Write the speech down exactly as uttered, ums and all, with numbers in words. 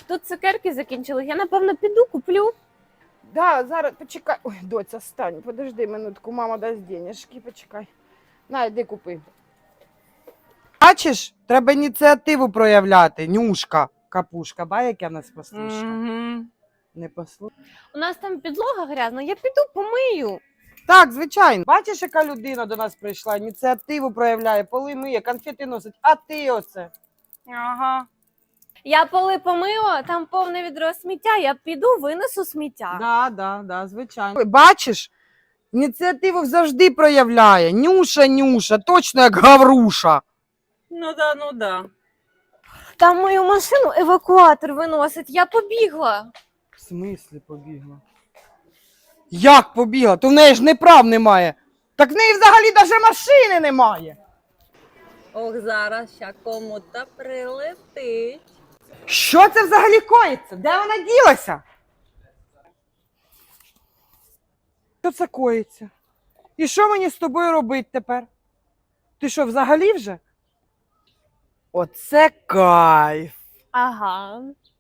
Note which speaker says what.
Speaker 1: Тут цукерки закінчили. Я, напевно, піду, куплю.
Speaker 2: Да, зараз почекай. Ой, доця, стань, подожди минутку, мама дасть денежки, почекай. На, йди купи. Бачиш, треба ініціативу проявляти. Нюшка, капушка, ба, яка в нас послушка.
Speaker 1: Угу.
Speaker 2: Не послушка.
Speaker 1: У нас там підлога грязна, я піду помию.
Speaker 2: Так, звичайно. Бачиш, яка людина до нас прийшла, ініціативу проявляє, поли миє, конфети носить, а ти оце.
Speaker 1: Ага. Я поли помила, там повне відро сміття, я піду винесу сміття.
Speaker 2: Да, да, да, звичайно. Бачиш, ініціативу завжди проявляє. Нюша, Нюша, точно як Гавруша.
Speaker 1: Ну да, ну да. Там мою машину евакуатор виносить, я побігла.
Speaker 2: В смислі побігла? Як побігла? То в неї ж не прав немає. Так в неї взагалі навіть машини немає.
Speaker 3: Ох, зараз ще кому-то прилетить.
Speaker 2: Що це взагалі коїться? Де вона ділася? Що це коїться? І що мені з тобою робити тепер? Ти що, взагалі вже? Оце кайф.
Speaker 1: Ага.